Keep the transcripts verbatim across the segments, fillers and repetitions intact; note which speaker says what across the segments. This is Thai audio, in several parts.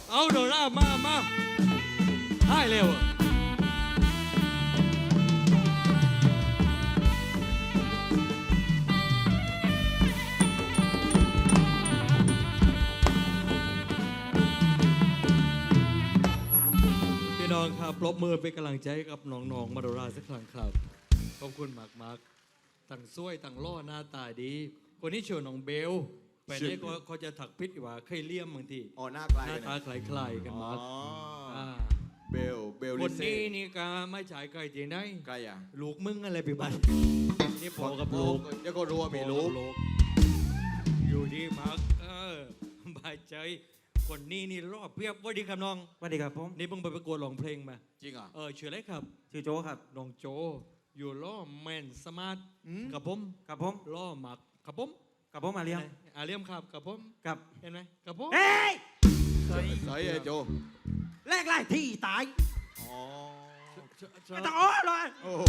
Speaker 1: เอาโดรามามาให้เร็วพี่น้องครับปรบมือเป็นกำลังใจกับน้องๆมาโดราสักครั้งครับขอบคุณมากมากตั้งซ้วยตั้งล่อหน้าตาดีคนนี้ชื่อน้องเบลแฟนนี้เขาจะถักพิษว่าเคยเลี่ยมบางที
Speaker 2: อ๋อหน้าคล้าย
Speaker 1: หน้าตาคล้ายๆกันมาก
Speaker 2: เบลเบล
Speaker 1: คนนี้นี่ก็ไม่จ่ายไกลจริงได้
Speaker 2: ไกลอ่ะ
Speaker 1: ลูกมึงอะไรไปบ้างนี่พอกับลูก
Speaker 2: ยังก็รัวมีลูก
Speaker 1: อยู่ดีมากเออบายใจคนนี้นี่รอบเพียบว่าดีครับน้อง
Speaker 3: ว่าดีครับผม
Speaker 1: นี่เพิ่งไปประกวดร้องเพลงมา
Speaker 2: จริงอ่ะ
Speaker 1: เออชื่ออะไรครับ
Speaker 3: ชื่อโจครับ
Speaker 1: น้องโจอยู่ล่อแมนสมาร์ทกับผม
Speaker 3: กับผม
Speaker 1: ล่อหมักกับผม
Speaker 3: กับผมอาเลียม
Speaker 1: อาเลียมครับกับผม
Speaker 3: กับ
Speaker 1: เห็นไหมกับผม
Speaker 3: เฮ้ย
Speaker 2: ใส่ใส่ไอ้โจ
Speaker 3: แรกไล่ที่ตาย
Speaker 2: อ๋อ
Speaker 3: ไม่ต้องอ้อเลย
Speaker 2: โอ้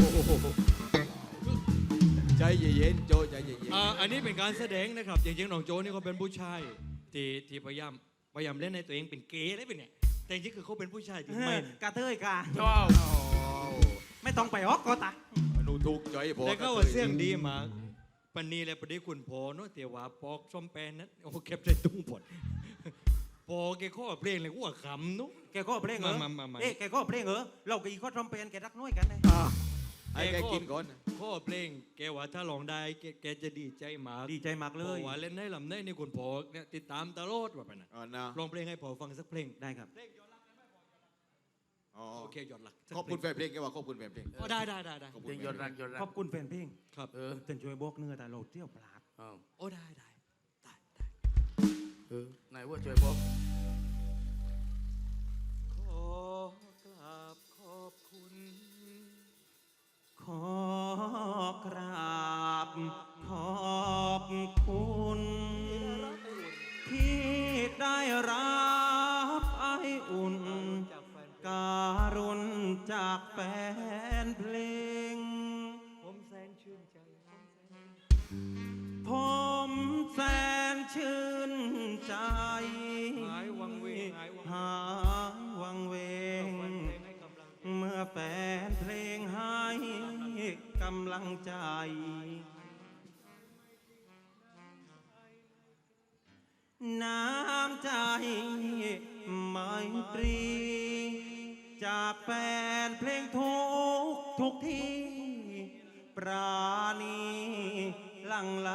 Speaker 2: ใจเย็นๆโจใจเย็น
Speaker 1: ๆอ่าอันนี้เป็นการแสดงนะครับจริงๆน้องโจนี่เขาเป็นผู้ชายที่ที่พยายามพยายามเล่นในตัวเองเป็นเกย์ได้เป็นเนี่ยแต่จริงๆคือเขาเป็นผู้ชายที่ไม่
Speaker 3: กระเทยกา
Speaker 2: ชอบ
Speaker 3: ไม่ต้องไปออกก็ตาย
Speaker 2: หนูถูกใจพอ
Speaker 1: แต่ก็ว่าเสียงดีมากปันนี้แหละประเดี๋ยวคุณพอเนาะเตียวว่าปอกส้มแปนนั้นโอ้เก็บใส่ตุ้งผดพอแกข้อเพลงเลยกูว่าขำนุ๊ก
Speaker 3: แกข้อเพลงเหรอเอ๊ะแกข้อเพลงเหรอเรากับอีข้อส้มแปนแกรักน้อยกันเลย
Speaker 2: ไอ้แกกินก่อน
Speaker 1: ข้อเพลงแกว่าถ้าลองได้แกจะดีใจมาก
Speaker 3: ดีใจมากเลย
Speaker 1: ว่าเล่นได้ลำได้นี่คุณพอเนี่ยติดตามตลอดว่าไปนะลองเพลงให้พอฟังสักเพลง
Speaker 3: ได้ครับ
Speaker 1: โอเคยอดรัก
Speaker 2: ขอบคุณแฟนเพลงแกว่าขอบคุณแฟนเพลง
Speaker 1: อ๋อได้ได้ได้ได้
Speaker 2: เพลงยอดรักยอดรัก
Speaker 3: ขอบคุณแฟนเพลง
Speaker 1: ครับ
Speaker 3: เออเต้นช่วยบอกเนื้อแต่เราเที่ยวปลาด
Speaker 1: โอ้ได้ได้ได้ได้
Speaker 2: เออไหนว่าช่วยบอก
Speaker 1: ขอกราบขอบคุณ
Speaker 3: ขอกราบขอบคุณที่ได้รับไออุ่นการุณจากแฟนเพลง
Speaker 1: ผมแสนชื่นใจ
Speaker 3: ผมแสนชื่นใจ
Speaker 1: หายวังเวง
Speaker 3: หายวังเวงเมื่อแฟนเพลงให้กำลังใจน้ำใจไมตรีจากแฟนเพลงทุกทุกที่ปราณีหลั่งไหล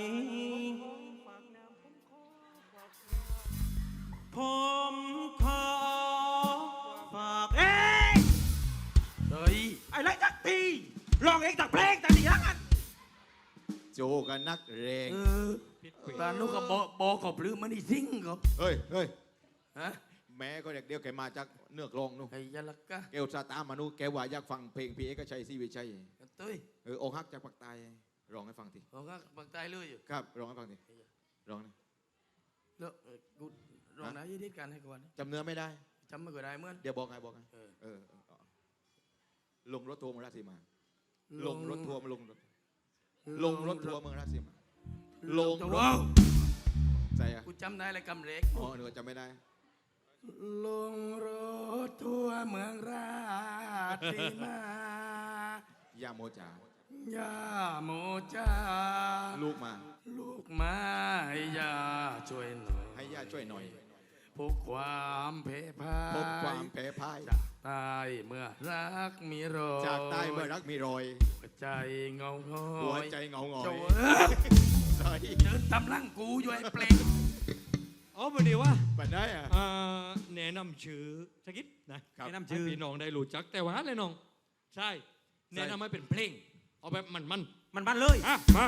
Speaker 3: ผมขอฝากเอ้ยเฮ้ยไอ้ไรจักทีลองเองจากเพลงแต่ดีแล้วกัน
Speaker 2: โจกันนักเรง
Speaker 4: ตานุกับโบโบกับลืมมันอีซิงกับ
Speaker 2: เฮ้ยเฮ้ย
Speaker 4: ฮะ
Speaker 2: แม่ก็เด็กเดียวแกมาจากเนื้อกลองนู่น
Speaker 4: ไอ้ยาลักกะ
Speaker 2: แกอุตส่าห์ตามมานู่นแกว่าอยากฟังเพลงพี่เอกชัยศรีวิชัย
Speaker 4: ตุ้ย
Speaker 2: เอออกหักจากปากใต้ร้องให้ฟังที
Speaker 4: อกหักปากใต้เลยอยู่
Speaker 2: ครับร้องให้ฟังทีร้องนะ
Speaker 4: แล้วกูร้องไหนยืดกันให้ก่อน
Speaker 2: จำเนื้อไม่ได้
Speaker 4: จำไม่ก็ได้เมื่อ
Speaker 2: เดี๋ยวบอกไงบอกไงเออลงรถทัวร์เมืองราชสีมาลงรถทัวร์มาลงรถลงรถทัวร์เมืองราชสีมาลงรถใจอ่ะ
Speaker 4: กูจำได้เลยกำเล็ก
Speaker 2: อ๋อหนูจำไม่ได้
Speaker 4: ลงรถทัวร์เมืองราชสีมา
Speaker 2: ย่าโมจ่า
Speaker 4: ย่าโมจ่า
Speaker 2: ลูกมา
Speaker 4: ลูกมาให้ย่าช่วยหน่อย
Speaker 2: ให้ย่าช่วยหน่อย
Speaker 4: พบความเพพาย
Speaker 2: พบความเพพาย
Speaker 4: จากใต้เมื่อรักมีรอย
Speaker 2: จากใต้เมื่อรักมีรอย
Speaker 4: หัวใจเงาหอย
Speaker 2: หัวใจเงาหงอย
Speaker 4: เดินตำลังกูอยู่ไอ้เปลง
Speaker 1: อ๋อพอดีว่า
Speaker 2: บัดได้อ่ะ
Speaker 1: แนะนำชื่อสักนิดนะ
Speaker 3: แนะนำชื่อ
Speaker 1: พี่น้องได้รู้จักแต่ว่าเลยน้องใช่แนะนำให้เป็นเพลงเอาแบบมันมัน
Speaker 3: มันมันเลย
Speaker 1: อ่ะมา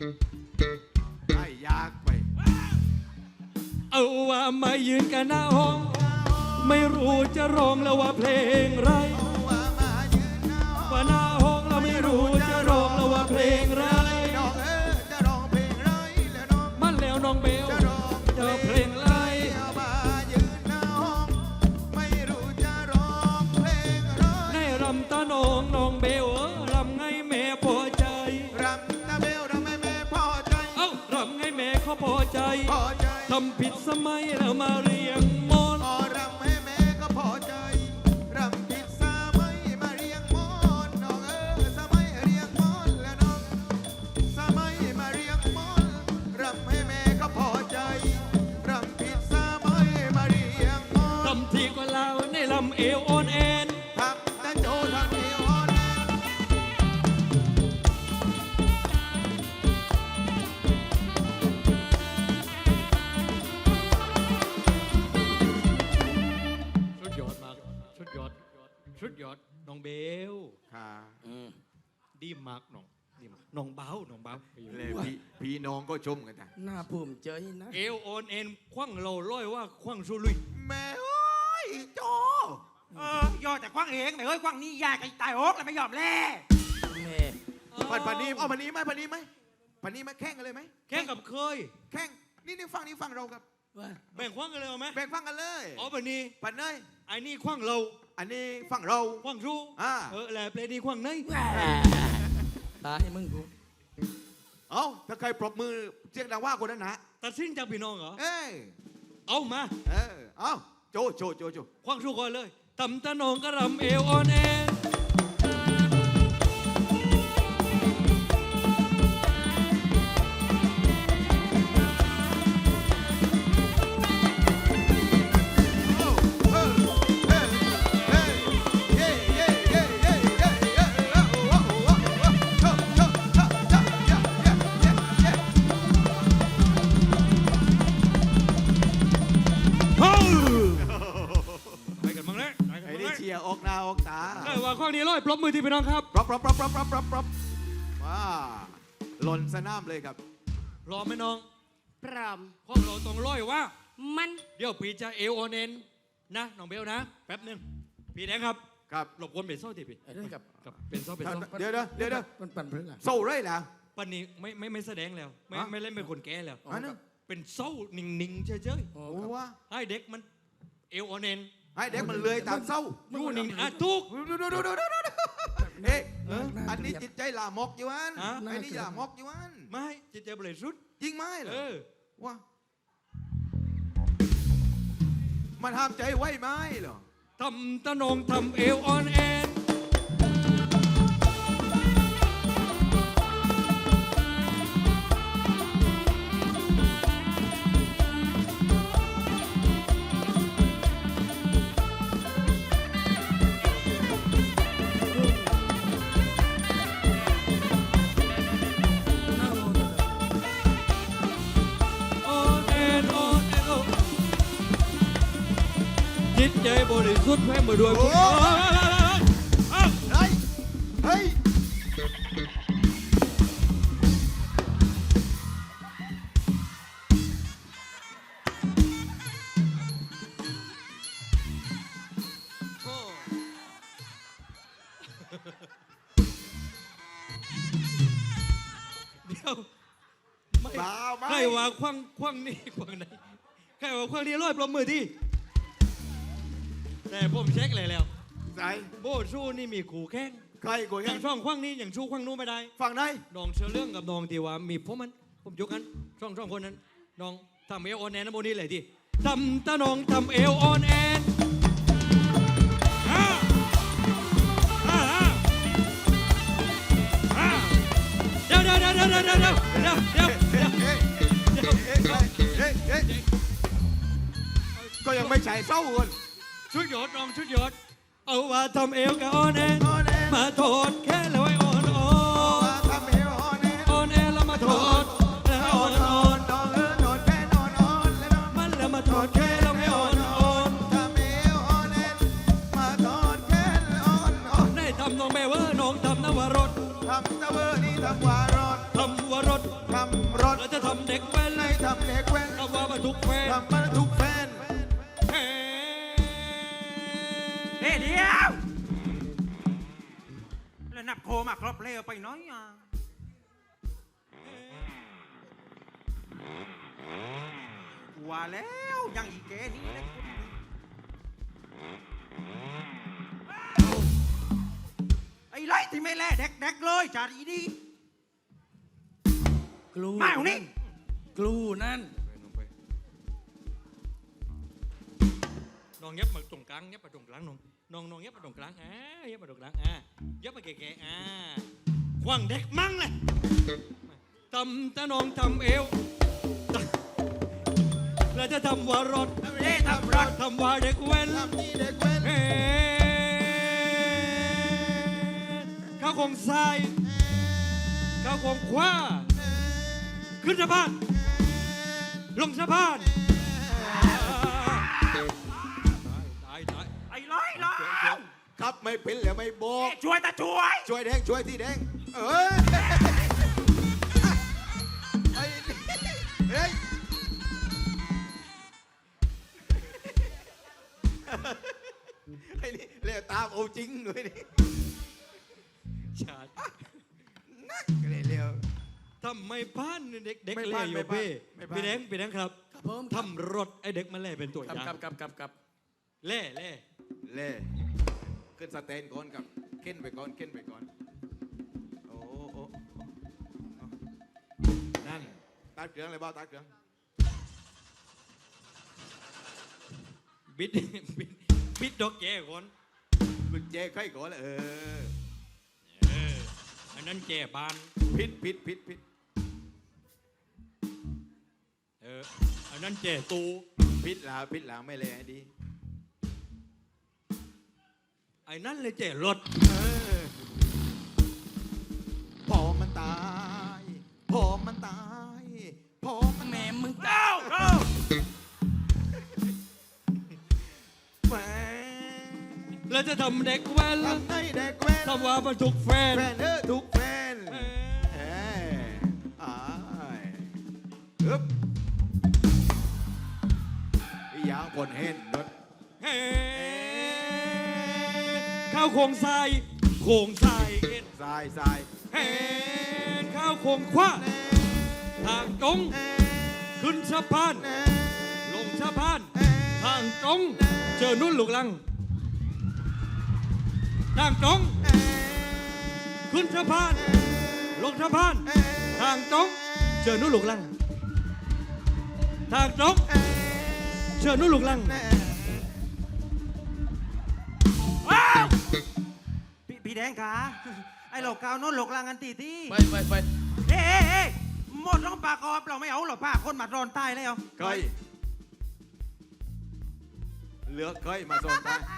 Speaker 2: ให้ยากไป
Speaker 1: เอาว่ามายืนกันหน้าห้อง ไม่รู้จะร้องแล้วว่าเพลงไร
Speaker 2: ว่ามายืนหน้าห้อง
Speaker 1: ว่าหน้าห้องเราไม่รู้จะร้องแล้วว่าเพลงไร
Speaker 2: น้องเอ๋จะร้องเพลงไรแล้วน้อง
Speaker 1: มันแล้วน้องเบล
Speaker 2: จะร้อง
Speaker 1: จะเพลงไร
Speaker 2: มายืนหน้าห้องไม่รู้จะร้องเพลงไร
Speaker 1: ในรำตาน้องน้องเบลเออรำไงแม่พอใจ
Speaker 2: รำตาเบลรำให้แม่พอใจ
Speaker 1: เอ้ารำไงแม่เขาพอใจ
Speaker 2: พอใจ
Speaker 1: ทำผิดสมัยแล้วมาเรียงมอน
Speaker 2: พอรำให้แม่ก็พอใจรำผิดสมัยมาเรียงมอนน้องเอ๋สมัยเรียงมอนแล้วน้องสมัยมาเรียงมอนรำให้แม่ก็พอใจรำผิดสมัยมาเรียงมอน
Speaker 1: ทำทีก็ลาวในลำเอวอ่อนแอน
Speaker 2: ทำตั้งโจทำที่อ่อนแอ
Speaker 1: ชุดยอดมากชุดยอดชุดยอดน้องเบล
Speaker 2: ค่ะ
Speaker 1: ดีมากน้องดีมากน้องเบ้าน้องเบ้า
Speaker 2: เลยพี่พี่น้องก็ชมกันจ้ะ
Speaker 4: น่าภูมิใจนะ
Speaker 1: เอวอ่อนแอนคว้างเราร้อยว่าคว้างสุลุย
Speaker 2: แม่โอ้ยโจ
Speaker 3: เออยอดแต่คว้างเองแต่เฮ้ยคว้างนี่ยากไอ้ตายโอ๊กแล้วไม่ยอมแล่
Speaker 4: แม่
Speaker 2: ปันปันนี้เอาปันนี้ไหมปันนี้ไหมปันนี้ไหมแข่งกันเลยไหม
Speaker 1: แข่งกับเคย
Speaker 2: แข่งนี่นี่ฟังนี่ฟังเรากับ
Speaker 4: ว่า
Speaker 1: แบ่งคว้างกันเลยเอาไหม
Speaker 2: แบ่งฟังกันเลย
Speaker 1: อ๋อแบบนี้
Speaker 2: ปันเนย
Speaker 1: ไอ้นี่คว้างเรา
Speaker 2: อันนี้ฟังเรา
Speaker 1: คว้างชู
Speaker 2: อ่า
Speaker 1: เออแหละเพลงนี้คว้างเนย
Speaker 4: ตายมึงกู
Speaker 2: เอาถ้าใครปรบมือเสียงดังว่าคนนั้นนะ
Speaker 1: ตัดสินจากพี่น้องเหรอ
Speaker 2: เอ้ย
Speaker 1: เอามา
Speaker 2: เออเอาโจโจโจโจ
Speaker 1: คว้างชูก่อนเลยตำตะนองกระรำเอวอ่อนแอน
Speaker 2: เออเออเออเย้เย้เย้เย้เย้เย้โอ้โหโอ้โหโอ้โหโชโชโชโชเย้เย้เย้เย้
Speaker 1: ไปกันบ้างเลยไปกัน
Speaker 2: ไอ้
Speaker 1: บ้าง
Speaker 2: นี่
Speaker 1: เลย
Speaker 2: เชียร์ออกหน้าออกตา
Speaker 1: ใครว่าคว้างนี้ร้อยปรบมือที่พี่น้องครับ
Speaker 2: ปรบปรบปรบปรบปรบปรบปรบว้าหล่นสนามเลยครับ
Speaker 1: พร้อมไหมน้อง
Speaker 5: พร้อม
Speaker 1: คว้างเราต้องร้อยว่า
Speaker 5: มัน
Speaker 1: เดี๋ยวปีจะเอวออนเอ็นนะน้องเบลนะ แป๊บหนึงพี่แดงครับ
Speaker 2: ครับ
Speaker 1: หลบกวนเป็นโซ่ทีพี่
Speaker 4: ไอ้เรื่องกับ
Speaker 1: กับเป็นโซ่เป็นโซ่
Speaker 2: เดี๋ยวเดี๋ยวเดี๋ยวเดี๋ยว
Speaker 4: มันปั่นเพื่อนล่ะ
Speaker 2: โซ่ไรล่ะ
Speaker 1: ปันนี้ไม่ไม่ไม่แสดงแล้ว ไม่
Speaker 2: ฮะ
Speaker 1: ไม่เล่นเป็นคนแก่แล้ว
Speaker 2: อันนั้น
Speaker 1: เป็นโซ่นิ่งๆเฉย
Speaker 4: โอ้
Speaker 2: โอ้
Speaker 4: ครับ
Speaker 2: ว่า
Speaker 1: ๆให้เด็กมันเอวออนเอ็น
Speaker 2: ให้เด็กมันเลื้อยตามเศร้า
Speaker 1: อยู่นิ่งๆอ่ะทุก
Speaker 2: ดูดูดูดูดูดูเอ๊ะอันนี้จิตใจหลามกอยู่อัน
Speaker 1: ฮะ
Speaker 2: ไอ้นี่หลามกอยู่อัน
Speaker 1: ไม่จิตใจบริสุทธิ์
Speaker 2: ยิงไม้เหรอ
Speaker 1: เออ
Speaker 2: ว่ามันห้ามใจไว้ไหมเหรอ
Speaker 1: ทำตะนงทำเอวออนเอ็น
Speaker 4: น่าโง่จัง
Speaker 1: ออนเอ็นออนเอ็นโอ้จิตใจบริสุทธิ์แพ้มาด้วยคุณเอ้า
Speaker 2: เฮ้ยเฮ้ย
Speaker 1: โอ้เดี๋ยวไม่
Speaker 2: เปล่าไหม
Speaker 1: ใครว่าคว้างคว้างนี่คว้างไหนใครว่าคว้างนี่ร้อยปรบมือที่แต่ผมเช็คเลยแล้ว
Speaker 2: ใส่
Speaker 1: โบชูนี่มีขู่แข้ง
Speaker 2: ใครกู
Speaker 1: อ
Speaker 2: ยั
Speaker 1: ย่าง งช่องคว้างนี้อย่างชูคว้างนู้นไม่ได้
Speaker 2: ฝั่งไหน
Speaker 1: น้องเชื่อเรื่องกับน้องที่ว่ามีผมมันผมยกกันช่องช่องคนนั้นน้องทำเอลออนแอนนะโบนี่เลยที่ทำตาน้องทำเอลออนแอนอ่าอ่าอ่าอ่าเดี๋ยวเดี๋ยวเดี๋ยวเดี๋ยวเดี๋ยวเดี๋ยวเดี๋ยวเดี๋ยวเดี๋ยวเดี๋ยว
Speaker 2: เฮ้ยเฮ้ยเฮ้ยเฮ้ยเฮ้ยก็ยังไม่ใช่เศร้าคน
Speaker 1: ชุดยอดน้องชุดยอดเอาว่าทำเอลกับออนแอน
Speaker 2: ออนแอน
Speaker 1: มาโทษแค่แล้วไอ้ออนออ
Speaker 2: ว่าน ทำเอวออนแอน
Speaker 1: ออนแอนแล้วมาโทษแล้ว
Speaker 2: อ
Speaker 1: อ
Speaker 2: อ
Speaker 1: อน น
Speaker 2: อ
Speaker 1: อ
Speaker 2: อ
Speaker 1: อน น
Speaker 2: นอนเออนอนแค่นอนออนแล้วนอน
Speaker 1: มันแล้วมาโทษแค่แล้วไม่ออนออน
Speaker 2: ทำเอวออนแอนมาตอนแค่ออนออน
Speaker 1: ได้ทำน้องแม่เวอร์น้องทำนวรส
Speaker 2: ทำตะเวอร์นี่ทำวารอน
Speaker 1: ทำวรส
Speaker 2: ทำ
Speaker 1: ฟน
Speaker 2: ทำมาทุกแฟน
Speaker 1: เฮ้
Speaker 3: เฮ้ยเดียวแล้วนับโคมาครบเลยเอาไปน้อยอ่ะว่าแล้วยังอีแกนี่นะไอ้ไรที่ไม่แล่เด็กๆเลยจ่าดีดี
Speaker 4: กลู
Speaker 3: มาเอานี่
Speaker 4: กลูนั่น
Speaker 1: น้องเย็บมาตรงกลางเย็บมาตรงกลางน้องน้องน้องเย็บมาตรงกลางอ่าเย็บมาตรงกลางอ่าเย็บมาแก่ๆอ่าขวางเด็กมั่งเลยทำตาน้องทำเอวแล้วจะทำว่ารถ
Speaker 3: เล่ทำรัก
Speaker 1: ทำว่าเด็กเว้น
Speaker 2: ทำนี่เด็กแว้น
Speaker 1: เฮ้ข้าวของทรายข้าวของขว้าขึ้นสะพานลงสะพานตายตาย
Speaker 3: ไอ้ร้อยแล้ว
Speaker 2: ครับไม่เป็นแล้วไม่บอก
Speaker 3: ช่วยตาช่วย
Speaker 2: ช่วยแดงช่วยที่แดงเอ้ยไอ้นี่เฮ้ยไอ้นี่เรียกตามเอาจริงเลยนี่
Speaker 1: ชาด
Speaker 2: นักเลยเร็ว
Speaker 1: ทำไมพลาดเด็กเด็ก
Speaker 2: ไม่
Speaker 1: เล่
Speaker 2: พลาด
Speaker 1: อยู่
Speaker 2: ไม่พลาด
Speaker 1: พี่
Speaker 2: ไม่พลาด
Speaker 1: พี่แดงพี่แดงครับ
Speaker 4: ครับผม
Speaker 1: ทำรถไอ้เด็กมาเล่เป็นตัวอ
Speaker 4: กับ
Speaker 1: ย่าง
Speaker 4: กับกับกับกับ
Speaker 1: เล่เล่
Speaker 2: เล่ขึ้นสเตนก่อนกับเข็นไปก่อนเข็นไปก่อนโอ้โอ้นั่นตัดเครื่องเลยบ้าตัดเครื่อง
Speaker 1: บิดบิดบิดดอกแก่ก่อน
Speaker 2: กุญแจไขก่อนเออ
Speaker 1: เอออันนั้นแก่บาน
Speaker 2: พิษพิษพิษพิษ
Speaker 1: เอออันนั้นแก่ตู
Speaker 2: พิษหลาพิษหลาไม่เลยให้ดี
Speaker 1: ไอ้นั่นเลยแก่รถ
Speaker 2: เออพอมันตายพอมันตายพอมัน
Speaker 4: แม่มึง
Speaker 3: เก้าเก้า
Speaker 2: แหว
Speaker 1: แล้วจะทำเด็กแว้น
Speaker 2: ทำให้เด็กแว้น
Speaker 1: ทำว่าบรรทุกแฟน
Speaker 2: แฟนเออทุกแฟน
Speaker 1: เอ
Speaker 2: เอออ้ายอึ๊บอีหยางผลเห็นรถ
Speaker 1: เฮ้ข้าวโคงทรายโคงทรายเอ็น
Speaker 2: ทรายทราย
Speaker 1: เฮ้ข้าวโคงคว้าทางตรงขึ้นสะพานลงสะพานทางตรงเจอนุ่นลูกลังทางตรงขึ้นสะพานลงสะพานทางตรงเจอนุ่นลูกลังทางตรงเจอนุ่นลูกลัง
Speaker 3: ว้าวพี่พี่แดงขาไอ้เหล่ากาวโน้นหลกลางกันตีที่
Speaker 4: ไปไปไป
Speaker 3: เอ้เอ้หมดต้องปากกอบเราไม่เอาหรอกป้าคนมาโดนใต้แล้ว
Speaker 2: เคยเหลือเคยมาโซนตาย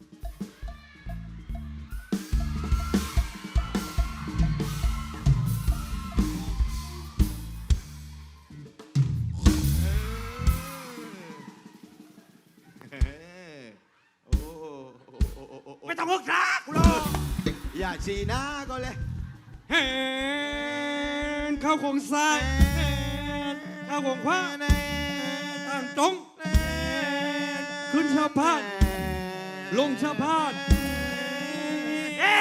Speaker 2: เออโอ้โอ้โอ้โอ้โอ้โอ้
Speaker 3: ไม่ต้องฮึกซักกูหรอก
Speaker 2: อย่าชีหน้าก็เลย
Speaker 1: เห็นข้าวโคงทรายเห็นข้าวโคงคว้าทางตรงขึ้นสะพานลงสะพาน
Speaker 3: เอ้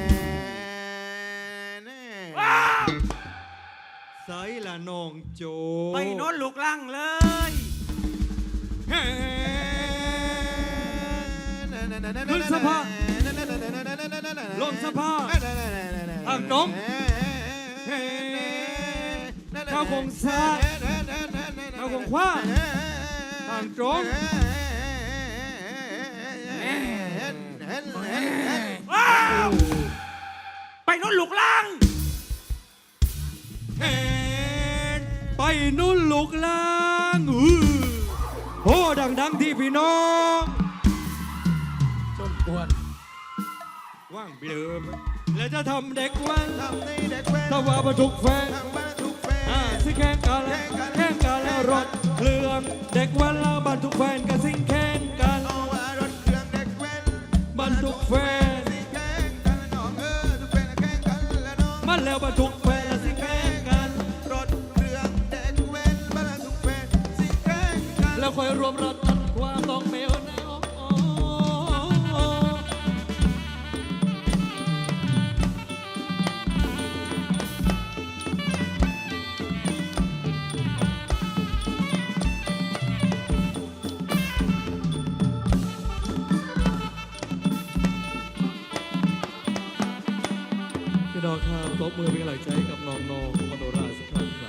Speaker 3: ว้าว
Speaker 1: ใส่ละน้องโจ
Speaker 3: ไปโน้นหลุกลังเลย
Speaker 1: เห็นขึ้นสะพานลงสะพานทางตรงเห็นข้าวโคงทรายข้าวโคงคว้าทางตรง
Speaker 3: ว้าวไปโน้นหลุกลัง
Speaker 1: เห็นไปนุ่นลูกลางอื้อโหดังๆที่พี่น้อง
Speaker 4: สมควร
Speaker 1: ว่างเบลอไหมแล้วจะทำเด็กวัน
Speaker 2: ทำให้เด็กแว้น
Speaker 1: ถ้าว่าบรรทุกแฟน
Speaker 2: ทำมาทุกแฟ
Speaker 1: อ่าน สิแข่งกันแล้วแข่งกันแล้วรถเครื่องเด็กวันแล้วบรรทุกแฟนก็สิงแข่งกัน
Speaker 2: เอาว่ารถเครื่องเด็กแว้น
Speaker 1: บรรทุกแฟน
Speaker 2: สิแข่งกันน้องเออทุกแฟนแข่งกันแล้วน้อง
Speaker 1: มันแล้วบรรทุกแฟนแล้วสิแข่งกัน
Speaker 2: รถเครื่องเด็กแว้นบรรทุกแฟนสิแข่งกัน
Speaker 1: น้องครับปรบมือเป็นกำลังใจให้กับน้องๆมโนราสักครั้งครับ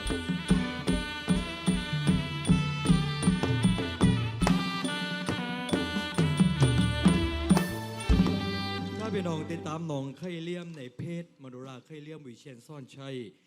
Speaker 1: ถ้าพี่น้องติดตามน้องไข่เลี่ยมในเพจมโนราไข่เลี่ยมวิเชียนซ่อนชัย